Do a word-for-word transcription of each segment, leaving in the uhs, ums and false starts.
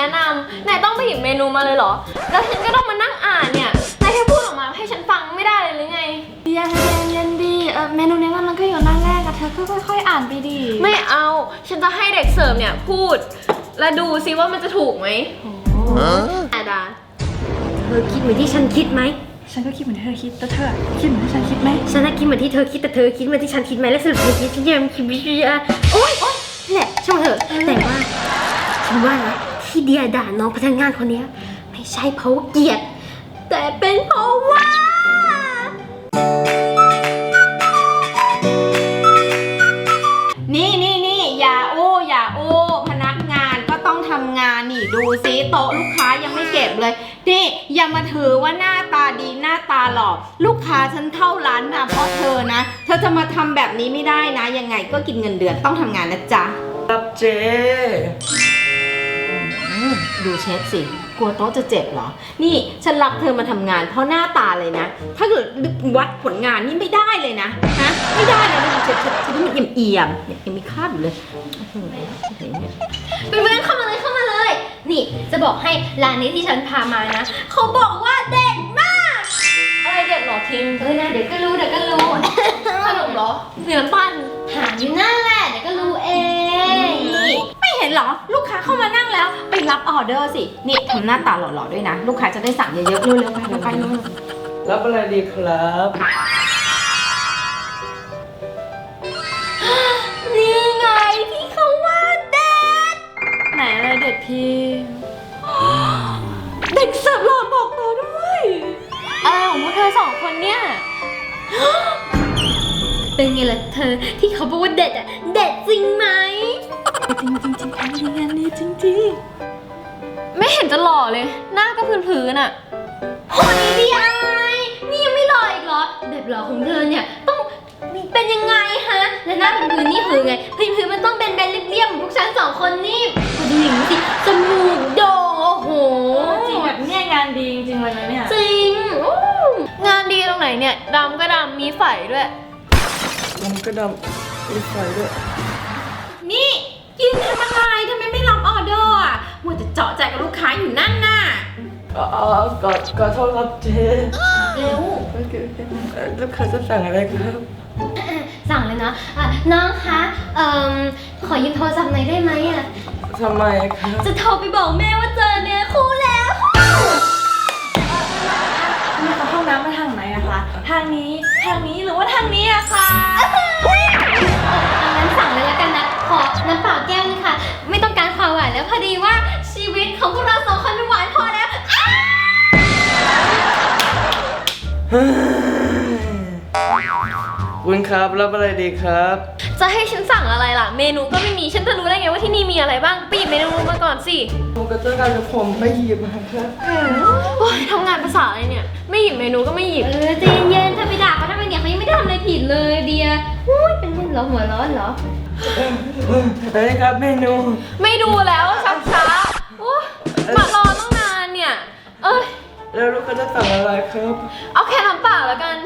นะนำนายต้องไปหยิบเมนูมาเลยเหรอแล้วฉันก็ต้องมานั่งอ่านเนี่ยนายแค่พูดออกมาให้ฉันฟังไม่ได้เลยหรือไงเย็นเย็นเย็นดีเออเมนูนี้มันก็อยู่หน้าแรกอะเธอก็ค่อยๆอ่านไปดิไม่เอาฉันจะให้เด็กเสิร์ฟเนี่ยพูดและดูซิว่ามันจะถูกไหมอาดาเธอคิดเหมือนที่ฉันคิดไหมฉันก็คิดเหมือนที่เธอคิดแต่เธอคิดเหมือนที่ฉันคิดไหมฉันน่ะคิดเหมือนที่เธอคิดแต่เธอคิดเหมือนที่ฉันคิดไหมและสรุปเธอคิดฉันยังคิดไม่ได้โอ๊ยโอ๊ยนี่แหละช่างเถอะแต่ว่าฉันว่านะที่เดียด่าน้องพนักงานคนนี้ไม่ใช่เพราะเกลียดแต่เป็นเพราะว่านี่นี่นี่อย่าอู้อย่าอู้พนักงานก็ต้องทำงานนี่ดูซิโต๊ะลูกค้ายังไม่เก็บเลยนี่อย่ามาถือว่าหน้าตาดีหน้าตาหล่อลูกค้าฉันเข้าร้านนะเพราะเธอนะเธอจะมาทำแบบนี้ไม่ได้นะยังไงก็กินเงินเดือนต้องทำงานนะจ๊ะครับเจ๊ดูเชฟสิกลัวโต๊ะจะเจ็บเหรอนี่ฉันรับเธอมาทำงานเพราะหน้าตาเลยนะถ้าเกิดวัดผลงานนี่ไม่ได้เลยนะฮะไม่ได้เลยนะเชฟฉันฉันมันเอี่ยมเอี่ยมเนี่ยยังมีคราบอยู่เลยเพื่อนๆเข้ามาเลยเข้ามาเลยนี่จะบอกให้ร้านนี้ที่ฉันพามานะเขาบอกว่าเด็ดมากอะไรเด็ดหรอพิมพ์เออนะเดี๋ยวก็รู้เดี๋ยวก็รู้ขนมเหรอเหนือปั้นหาอยู่นั่นแหละเดี๋ยวก็รู้เองไม่เห็นเหรอลูกค้าเข้ามานั่งแล้วไปรับออเดอร์สินี่ทำหน้าตาหล่อๆด้วยนะลูกค้าจะได้สั่งเยอะๆเร็วๆไปไปไปเลยรับอะไรดีครับนี่ไงที่เขาว่าเด็ดไหนอะไรเด็ดพี่เด็กเสิร์ฟหล่อบอกต่อด้วยอะไรของพวกเธอสองคนเนี่ยเป็นไงล่ะเธอที่เขาบอกว่าเด็ดอะเด็ดจริงไหมจริงจริงจริงอันนี้งานนี้จริงจริงไม่เห็นจะหล่อเลยหน้าก็พื้นๆอ่ะโหนี่ดีไอนี่ยังไม่หล่ออีกเหรอแบบหล่อของเธอเนี่ยต้องเป็นยังไงฮะและหน้าพื้นๆนี่คือไงพื้นๆมันต้องเป็นแบนเรียบๆเหมือนพวกฉันสองคนนี่มาดูอย่างนี้สิจมูกโด่งโอ้โหจริงแบบเนี่ยงานดีจริงเลยนะเนี่ยจริงงานดีตรงไหนเนี่ยดำก็ดำมีไฝด้วยดำก็ดำมีไฟด้วยนี่กินทำอะไรทำไมไม่รับออเดอร์อ่ะมัวแต่เจาะใจกับลูกค้าอยู่นั่นน่ะอ๋อกอดกอดโทษครับเจ๊เร็วลูกค้าจะสั่งอะไรครับสั่งเลยนะะน้องคะเอ่อขอยืมโทรศัพท์หน่อยได้ไหมอ่ะทำไมครับจะโทรไปบอกแม่ว่าเจอเนี่ยคู่แล้วนี่เขาห้องน้ำมาทางไหนอะคะทางนี้ทางนี้หรือว่าทางนี้อะคะงั้นสั่งเลยแล้วกันนะขอน้ำเปล่าแก้วนึงค่ะไม่ต้องการความหวานแล้วพอดีว่าชีวิตของพวกเราสองคนมันหวานพอแล้วคุณครับรับอะไรดีครับจะให้ฉันสั่งอะไรล่ะเมนูก็ไม่มีฉันจะรู้ได้ไงว่าที่นี่มีอะไรบ้างไปหยิบเมนูมาก่อนสิผมก็จะการผมไม่หยิบครับโอ้ยทำงานภาษาอะไรเนี่ยไม่หยิบเมนูก็ไม่หยิบเออใจเย็นๆถ้าไปด่าเขาทำไมเนี่ยเขายังไม่ได้ทำอะไรผิดเลยเดียอุ้ยเป็นเล่นเหรอหัวร้อนเหรอเฮ้ยครับเมนูไม่ดูแล้วช้าช้าโอ้มารอตั้งนานเนี่ยเอ้ยแล้วลูกค้าจะสั่งอะไรครับเอาแค่น้ำเปล่าแล้วกัน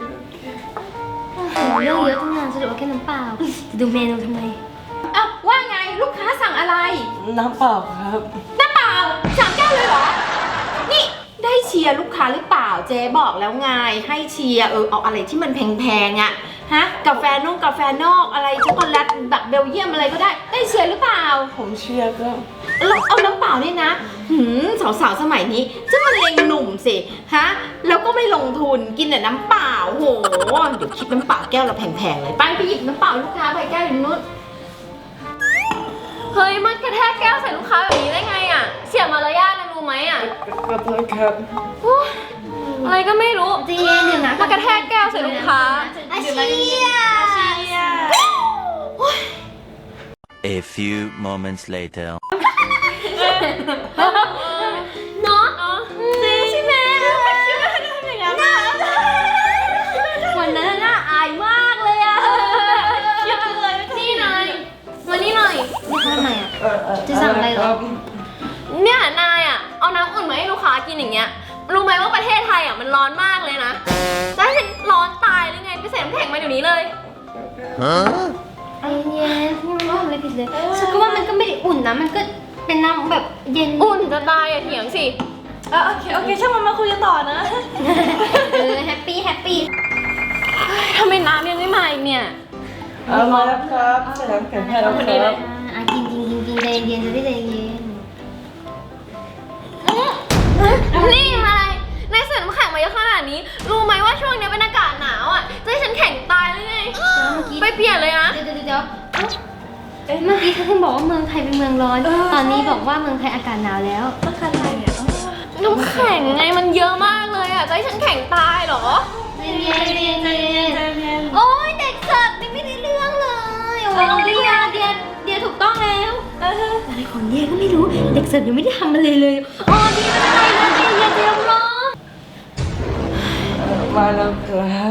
เรื่องเยอะตั้งนานสรุปว่าแค่น้ำเปล่าจะดูเมนูทำไมเอ้าว่าไงลูกค้าสั่งอะไรน้ำเปล่าครับน้ำเปล่าสามแก้วเลยเหรอนี่ได้เชียร์ลูกค้าหรือเปล่าเจ๊บอกแล้วไงให้เชียร์เออเอาอะไรที่มันแพงๆอ่ะฮะกาแฟนุ่งกาแฟนอกอะไรช็อกโกแลตแบบเบลเยียมอะไรก็ได้ได้เชียร์หรือเปล่าผมเชียร์ก็แล้วเอาน้ำเปล่าเนี่ยนะหืมสาวๆสมัยนี้จะมาเลงหนุ่มสิฮะแล้วก็ไม่ลงทุนกินแต่น้ำเปล่าโหเดี๋ยวคิดน้ำเปล่าแก้วละแพงๆเลยไปไปหยิบน้ำเปล่าลูกค้าไปแก้วอยู่นู้นเฮ้ยมันกระแทกแก้วใส่ลูกค้าแบบนี้ได้ไงอ่ะเสียมารยาทนะรู้ไหมอ่ะขอโทษครับอะไรก็ไม่รู้จริงเดี๋ยวนะมันกระแทกแก้วใส่ลูกค้าอาเชีย A few moments later เนาะจริงใช่ไหมวันนั้นน่าอายมากเลยอะนี่นายมานี่หน่อยนี่ทำไมอะจะสั่งอะไรหรอเนี่ยนายอะเอาน้ำอุ่นมาให้ลูกค้ากินอย่างเงี้ยรู้ไหมว่าประเทศไทยอะมันร้อนมากเลยนะจะให้ฉันร้อนตายหรือไงไปใส่น้ำแข็งมาเดี๋ยวนี้เลยไอ้เย็นนี่มันไม่ทำอะไรผิดเลยฉันก็ว่ามันก็ไม่ได้อุ่นนะมันก็เป็นน้ำแบบเย็นอุ่นจะตายอย่าเถียงสิอ่ะโอเคโอเคช่างมันมาคุยกันต่อนะเออแฮปปี้แฮปปี้ทำไมน้ำยังไม่มาอีกเนี่ยเอามาแล้วครับใส่น้ำแข็งให้แล้วครับอ่ะกินกินกินกินใจเย็นจะได้ใจเย็นนี่อะไรนายใส่น้ำแข็งมาเยอะขนาดนี้ รู้ไหมว่าช่วงนี้เป็นอากาศหนาวอ่ะ จะให้ฉันแข็งตายหรือไงเมื่อกี้ไปเปลี่ยนเลยนะเดี๋ยวเดี๋ยวเดี๋ยวเอ้าเมื่อกี้เธอเพิ่งบอกว่าเมืองไทยเป็นเมืองร้อน ตอนนี้บอกว่าเมืองไทยอากาศหนาวแล้วต้องการอะไรเนี่ยน้ำแข็งไงมันเยอะมากเลยอ่ะ จะให้ฉันแข็งตายเหรอเย็นเย็นเย็นเย็นใจเย็นโอ้ยเด็กเสิร์ฟยังไม่ได้เรื่องเลยโอ้ยเดียเดียเดียถูกต้องแล้วอะไรของเดียก็ไม่รู้ เด็กเสิร์ฟยังไม่ได้ทำอะไรเลยอ๋อเดียไม่เป็นไรนะเดียอย่าเดียวร้องมาแล้วครับ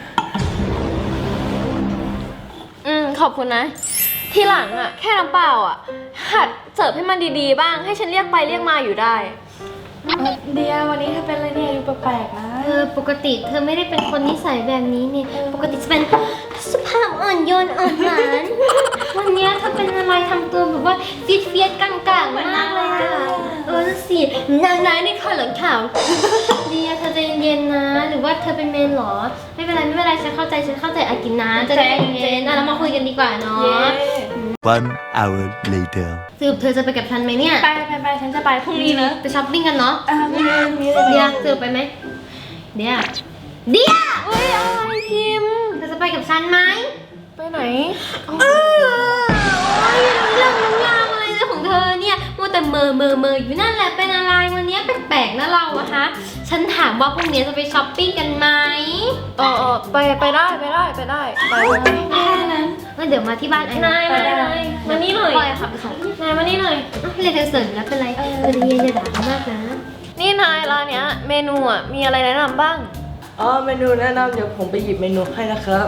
อืมขอบคุณนะ ทีหลังอ่ะ แค่น้ำเปล่าอ่ะ หัดเสิร์ฟให้มันดีๆบ้าง ให้ฉันเรียกไปเรียกมาอยู่ได้เดียวันนี้เธอเป็นอะไรเนี่ยดูแปลกๆนะเออปกติเธอไม่ได้เป็นคนนิสัยแบบนี้นี่ปกติจะเป็นสุภาพอ่อนโยนอ่อนหวานวันเนี้ยเธอเป็นอะไรทำตัวแบบว่าเฟียดเฟียดๆกลางๆมากเลยอะเออนั่นสินางนายนี่ข่าวหลังข่าวเดียเธอใจเย็นๆนะ หรือว่าเธอเป็นเมนเหรอไม่เป็นไรไม่เป็นไรฉันเข้าใจฉันเข้าใจอากินนะจะใจเย็นๆอ่ะเรามาคุยกันดีกว่าเนาะ One hour later. สรุปเธอจะไปกับฉันไหมเนี่ยไปไปไปฉันจะไปพรุ่งนี้นะไปช้อปปิ้งกันเนาะอ่ามีเลยมีเลยเดียสรุปไปไหมเดียเดียเฮ้ยอะไรพิมพ์เธอจะไปกับฉันไหมไปไหนเออโอ้ยเรื่องน้ำลางอะไรนะของเธอเนี่ยมัวแต่เมอเมอเมออยู่นั่นแหละเป็นอะไรวันนี้แปลกๆนะเราอะฮะฉันถามว่าพรุ่งนี้จะไปช้อปปิ้งกันไหมเออเออไปไปได้ไปได้ไปได้ไปเลยแค่นั้นงั้นเดี๋ยวมาที่บ้านไอ้นายนายนายมานี่หน่อยปล่อยขับไปส่งนายมานี่หน่อยอ้าวเรียกเธอเสริญแล้วเป็นไรเออเย็นๆอย่าด่าเขามากนะนี่นายร้านเนี้ยเมนูอ่ะมีอะไรแนะนำบ้างอ๋อเมนูแนะนำเดี๋ยวผมไปหยิบเมนูให้นะครับ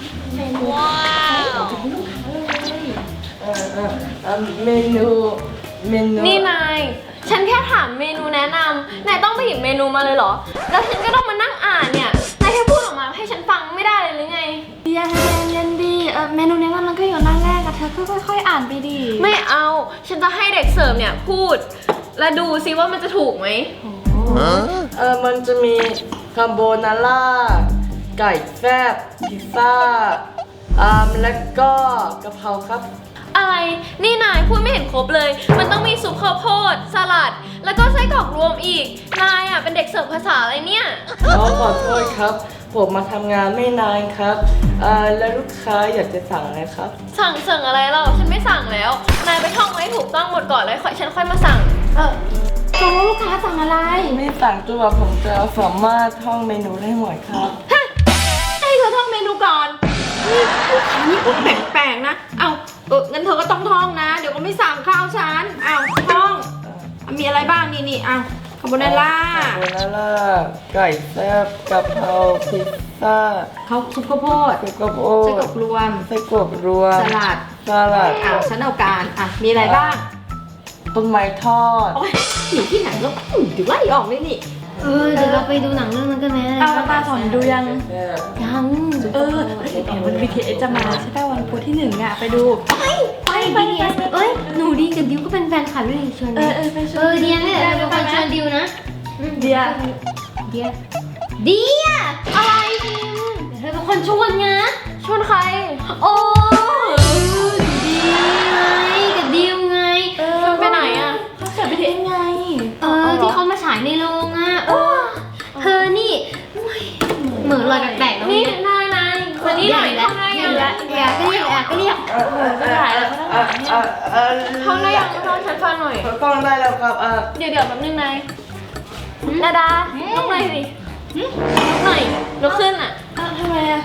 เออเออเอ่อเมนูเมนูนี่นาย ฉันแค่ถามเมนูแนะนำนายต้องไปหยิบเมนูมาเลยเหรอ แล้วฉันก็ต้องมานั่งอ่านเนี่ย นายแค่พูดออกมาให้ฉันฟังไม่ได้เลยหรือไงเดียใจเย็นๆดีเออเมนูเนี้ยมันก็อยู่หน้าแรกอะเธอก็ค่อยๆอ่านไปดิไม่เอา ฉันจะให้เด็กเสิร์ฟเนี่ยพูด และดูซิว่ามันจะถูกไหมเออมันจะมีคาโบนาร่าไก่แฟบพิซซ่าอ่าแล้วก็กะเพราครับอะไร นี่นายพูดไม่เห็นครบเลย มันต้องมีซุปข้าวโพด สลัด แล้วก็ไส้กรอกรวมอีก นายอ่ะเป็นเด็กเสิร์ฟภาษาอะไรเนี่ยอ๋อขอโทษครับ ผมมาทำงานไม่นานครับเอ่อแล้วลูกค้าอยากจะสั่งอะไรครับสั่งสั่งอะไรเราฉันไม่สั่งแล้ว นายไปท่องไว้ถูกต้องหมดก่อนแล้วค่อยฉันค่อยมาสั่งเออตกลงลูกค้าสั่งอะไรไม่สั่งจนกว่าผมจะสามารถท่องเมนูได้หมดครับให้เธอท่องเมนูก่อนนี่ลูกค้านี่ก็แปลกๆนะ เอาเอองั้นเธอก็ต้องท่องนะ เดี๋ยวก็ไม่สั่งข้าวฉันเอาท่อง มีอะไรบ้างนี่นี่เอาคาโบนาร่าคาโบนาร่าไก่แซ่บกะเพราพิซซ่าเขาซุปข้าวโพดไส้กรอกโอไส้กรอกรวมไส้กรอกรวมสลัดสลัดอ้าวฉันเอาการอ่ะมีอะไรบ้างต้นไม้ทอดโอ้ยอยู่ที่ไหนแล้วอืมเดี๋ยวไล่ออกเลยนี่เออเดี๋ยวเราไปดูหนังเรื่องนั้นกันไหมเอาตาสอนดูยังยังเออเดี๋ยววัน บี ที เอส จะมาใช่ป่ะวันพุธที่หนึ่งอะไปดูไปบีทีเอสเอ้ยหนูดีกับดิวก็เป็นแฟนคลับด้วยนี่ชวนเอดิอเออไปชเอวนอเดียนี่แหละเป็นคนชวนดิวนะเดียเดียเดียอะไรพิมเธอเป็นคนชวนไงชวนใครโอ้ดีไงกับดิวไงเออชวนไปไหนอ่ะเขาเสิร์ฟ บี ที เอส ไงเออที่เขามาฉายในโรงอ่ะโอ้เธอนี่โอ้ยเหมือนรอยแปลกๆแล้วนี่เนี่ยนายนายมานี่หน่อยแล้วท่องได้อยังแล้วแอบก็เรียกแอบก็เรียกเออเออเออเออเออเออท่องได้ยังท่องฉันฟังหน่อยท่องได้แล้วครับเออเดี๋ยวเดี๋ยวแป๊บนึงนายนาดาลุกหน่อยสิลุกหน่อยลุกขึ้นอ่ะอ้าวทำไมอะ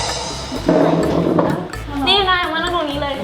นี่นายมานั่งตรงนี้เลย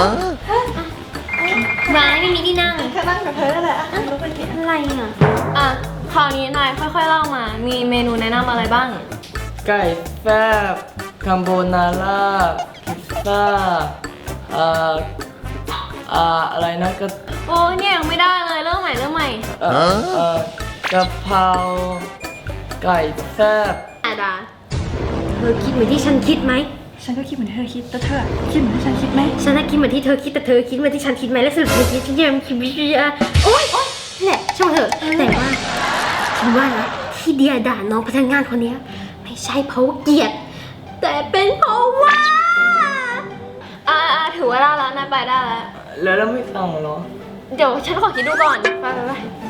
ร้ายไม่มีที่นั่งแค่นั่งกับเธอนั่นแหละอ่ะลุกไปดิอะไรอ่ะอ่ะ คราวนี้นายค่อยๆเล่ามา มีเมนูแนะนำอะไรบ้างไก่แฟบคาโบนาร่าพิซซ่าเอ่ออ่าอะไรนะก็โอ้ยเนี่ยยังไม่ได้เลย เริ่มใหม่เริ่มใหม่เอ่อเอ่อกะเพราไก่แฟบอาดาเธอคิดเหมือนที่ฉันคิดไหมฉันก็คิดเหมือนที่เธอคิดแต่เธอคิดเหมือนที่ฉันคิดไหมฉันน่ะคิดเหมือนที่เธอคิดแต่เธอคิดเหมือนที่ฉันคิดไหมและสรุปเธอคิดฉันยังคิดไม่ได้อะโอ๊ยโอ๊ยแหละช่างมันเถอะแต่ว่าฉันว่านะที่เดียด่าน้องพนักงานคนเนี้ยไม่ใช่เพราะว่าเกลียดแต่เป็นเพราะว่าอ่าอ่าถือว่าได้แล้วนายไปได้แล้วแล้วเราไม่ฟังเหรอเดี๋ยวฉันขอคิดดูก่อน ไปไปไป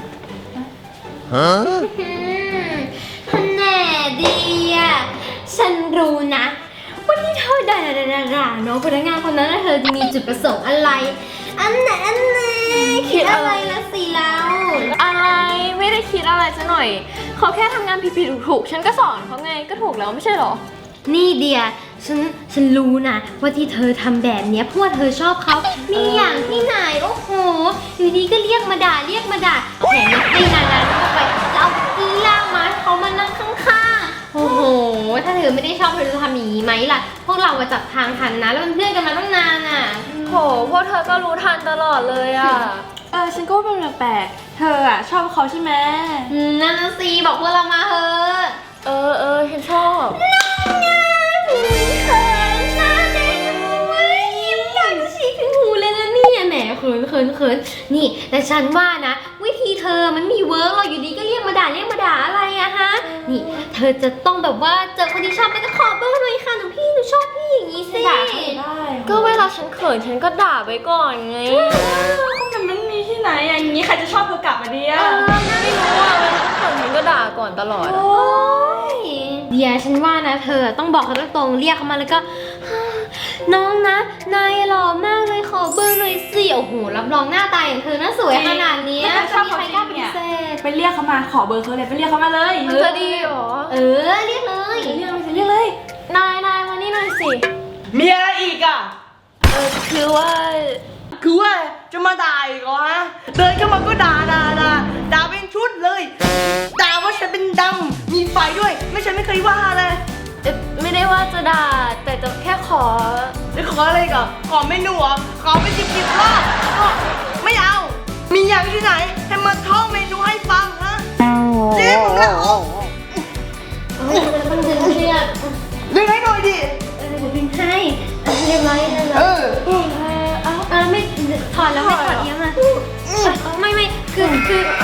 Huh? อืมแน่ดีอะฉันรู้นะว่าที่เธอด่าด่าด่าด่าน้องพนักงานคนนั้นน่ะเธอจะมีจุดประสงค์อะไร อันไหนอันไหนคิดอะไรละสิแล้วอะไรไม่ได้คิดอะไรซะหน่อย เขาแค่ทำงานผิดๆถูกๆฉันก็สอนเขาไงก็ถูกแล้วไม่ใช่เหรอนี่เดียฉันฉันรู้นะว่าที่เธอทำแบบเนี้ยเพราะว่าเธอชอบเขามีอย่างที่ไหนโอ้โหอยู่ดีก็เรียกมาด่าเรียกมาด่าแถมยังให้นานๆเข้าไปแล้วเอากีล่างมาให้เขามานั่งข้างๆโอ้โหถ้าเธอไม่ได้ชอบเธอจะทำอย่างนี้ไหมล่ะพวกเราอะจับทางทันนะแล้วเป็นเพื่อนกันมาตั้งนานอ่ะโหพวกเธอก็รู้ทันตลอดเลยอ่ะเออฉันก็ว่าเป็นแปลกๆเธออะชอบเขาใช่ไหมอืมนั่นนะสิบอกพวกเรามาเถอะเออเออฉันชอบเขินหน้าแดงเว้ยยิ้มดังฉีกถึงหูเลยนะเนี่ยแหมเขินเขินเขินนี่แต่ฉันว่านะวิธีเธอมันมีเวิร์กหรอกอยู่ดีก็เรียกมาด่าเรียกมาด่าอะไรอะฮะนี่เธอจะต้องแบบว่าเจอคนที่ชอบแล้วก็ขอเบอร์หน่อยค่ะหนูพี่หนูชอบพี่อย่างนี้สิด่าเขาได้ก็เวลาฉันเขินฉันก็ด่าไปก่อนไงก็มันไม่มีที่ไหนอะอย่างนี้ใครจะชอบเธอกลับมาดีอะไม่รู้อ่ะเวลาฉันเขินฉันก็ด่าก่อนตลอดอะโอ๊ยเดี๋ยวฉันว่านะเธอต้องบอกเขาตรงๆเรียกเขามาแล้วก็ น้องนะนายหล่อมากเลยขอเบอร์หน่อยสิโอ้โหรับรองหน้าตาอย่างเธอน่าสวยขนาดเนี้ยถ้าเธอชอบจะมีเขาใครจกริล้าง ปฏิเนี่ยเสธไปเรียกเขามาขอเบอร์เขาเลยไปเรียกเขามาเลยมันจะดีเหรอเออเรียกเลยเรียกเลยเรียกเลยนายนายมานี่หน่อยสิมีอะไรอีกอ่ะเออคือว่าคือว่าจะมาด่าอีกเหรอฮะ เดินเข้ามาก็ด่าด่าด่าด่าเป็นชุดเลย ด่าว่าฉันเป็นดำมีไฟด้วย ไม่ฉันไม่เคยว่าเลยเอ่อไม่ได้ว่าจะด่าแต่จะแค่ขอแล้วขออะไรก่อนขอเมนูเหรอขอไปสิบสิบรอบก็ไม่เอา มีอย่างที่ไหน ให้มาท่องเมนูให้ฟังฮะเจ๊มึงละโอ้เออต้องดึงเชือกดึงให้หน่อยดิเออเดี๋ยวดึงให้เออเรียบร้อยเรียบร้เออยอเออไม่ถอดแล้วไม่ถอดเอี้ยงอ่ะเออไม่ไม่คือคือ